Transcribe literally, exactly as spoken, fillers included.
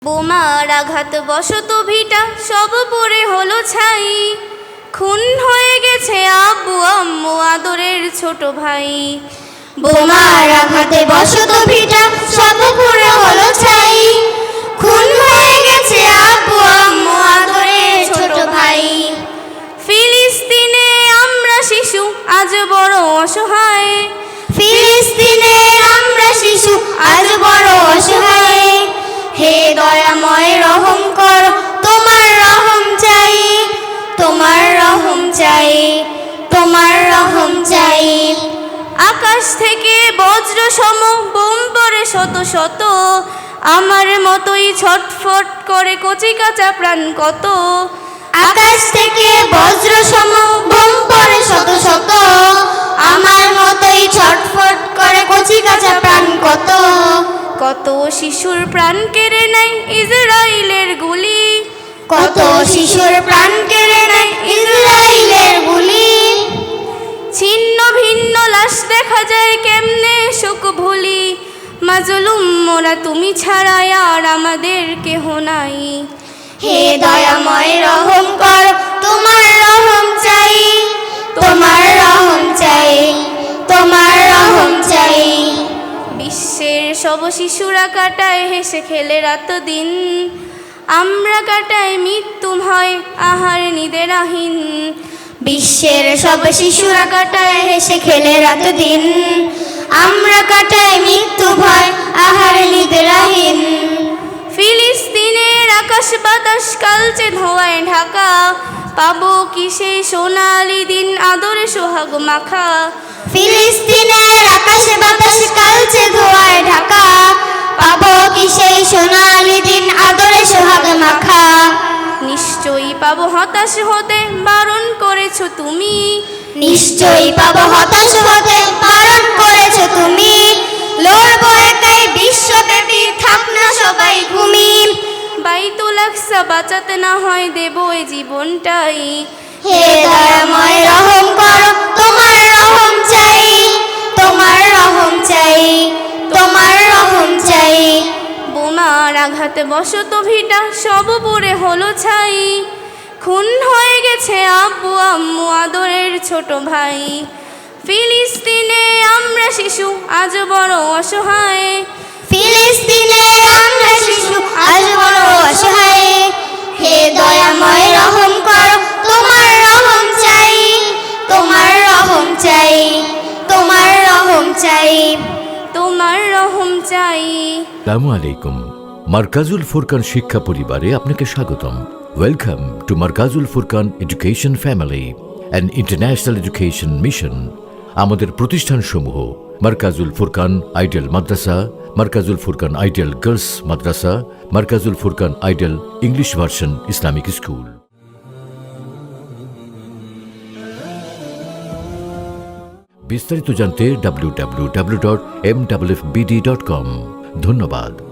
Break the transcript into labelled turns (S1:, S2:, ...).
S1: বোমার আঘাত বশত ভিটা সব পড়ে হলো ছাই, খুন হয়ে গেছে আব্বু আম্মু আদরের ছোট ভাই।
S2: বোমার আঘাতে বশত ভিটা সব পড়ে হলো ছাই, খুন হয়ে গেছে আব্বু আম্মু আদরের ছোট ভাই।
S1: ফিলিস্তিনে আমরা শিশু আজ বড় অসহায়,
S2: ফিলিস্তিনে আমরা শিশু আজ বড় অসহায়। হে দয়াময় রহম কর, তোমার রহম চাই, তোমার রহম চাই, তোমার রহম চাই।
S1: আকাশ থেকে বজ্র সম বোম পড়ে শত শত, আমার মতোই ছটফট করে কচি কাঁচা প্রাণ কত।
S2: আকাশ থেকে বজ্র সম বোম পড়ে শত শত, আমার মতোই ছটফট করে কচি কাঁচা প্রাণ কত।
S1: কত শিশুর প্রাণ কেড়ে নেয় ইসরাইলের গুলি,
S2: কত শিশুর প্রাণ কেড়ে নেয় ইসরাইলের গুলি।
S1: ছিন্ন ভিন্ন লাশ দেখা যায় কেমনে শোক ভুলি, মাজলুম মোরা তুমি ছাড়া আর আমাদের কেহ নাই।
S2: হে দয়াময় রহম কর, তোমার রহম চাই, তোমার রহম চাই, তোমার রহম চাই।
S1: বিশ্বের সব শিশুরা কাটায় হেসে খেলে রাত দিন, আমরা কাটাই মৃত্যু ভয় আহার নিদেরাহীন।
S2: বিশ্বের সব শিশুরা কাটায় হেসে খেলে রাত দিন, আমরা কাটাই মৃত্যু ভয় আহার নিদ্রাহীন।
S1: ফিলিস্তিনের আকাশ বাতাস কালচে ধোঁয়ায় ঢাকা, পাবো কি সেই সোনালি দিন আদরে সোহাগ মাখা।
S2: ফিলিস্তিনের আকাশ বাতাস কালচে ধোঁয়ায় ঢাকা, পাবো কি সেই সোনালি দিন আদরে সোহাগ মাখা।
S1: নিশ্চয়ই পাবো হতাশ হতে বারণ করেছো তুমি,
S2: নিশ্চয়ই পাবো হতাশ হতে বারণ করেছো তুমি। লড়বো একাই বিশ্বব্যাপী, থাক না সবাই ঘুমি।
S1: বাইতুল আকসা বাঁচাতে না হয় দেবো এই জীবনটাই।
S2: হে দয়াময় রহম কর, তোমার রহম চাই, তোমার রহম চাই, তোমার রহম চাই।
S1: বোমার আঘাতে বশত ভিটা সব পড়ে হলো ছাই, খুন হয়ে গেছে আব্বু আম্মু আদরের ছোট ভাই। ফিলিস্তিনে আমরা শিশু আজ বড় অসহায়,
S2: ফিলিস্তিনে আমরা শিশু আজ বড় অসহায়। হে দয়াময় রহম কর, তোমার রহম চাই, তোমার রহম চাই, তোমার রহম চাই,
S1: তোমার রহম চাই।
S3: আসসালামু আলাইকুম। মার্কাজুল ফুরকান শিক্ষা পরিবারে আপনাকে স্বাগতম। Welcome to Markazul Furqan Education Family and International Education Mission. আমাদের প্রতিষ্ঠানসমূহ Markazul Furqan Ideal Madrasa, Markazul Furqan Ideal Girls Madrasa, Markazul Furqan Ideal English Version Islamic School. বিস্তারিত জানতে W W W dot M W F B D dot com. ধন্যবাদ।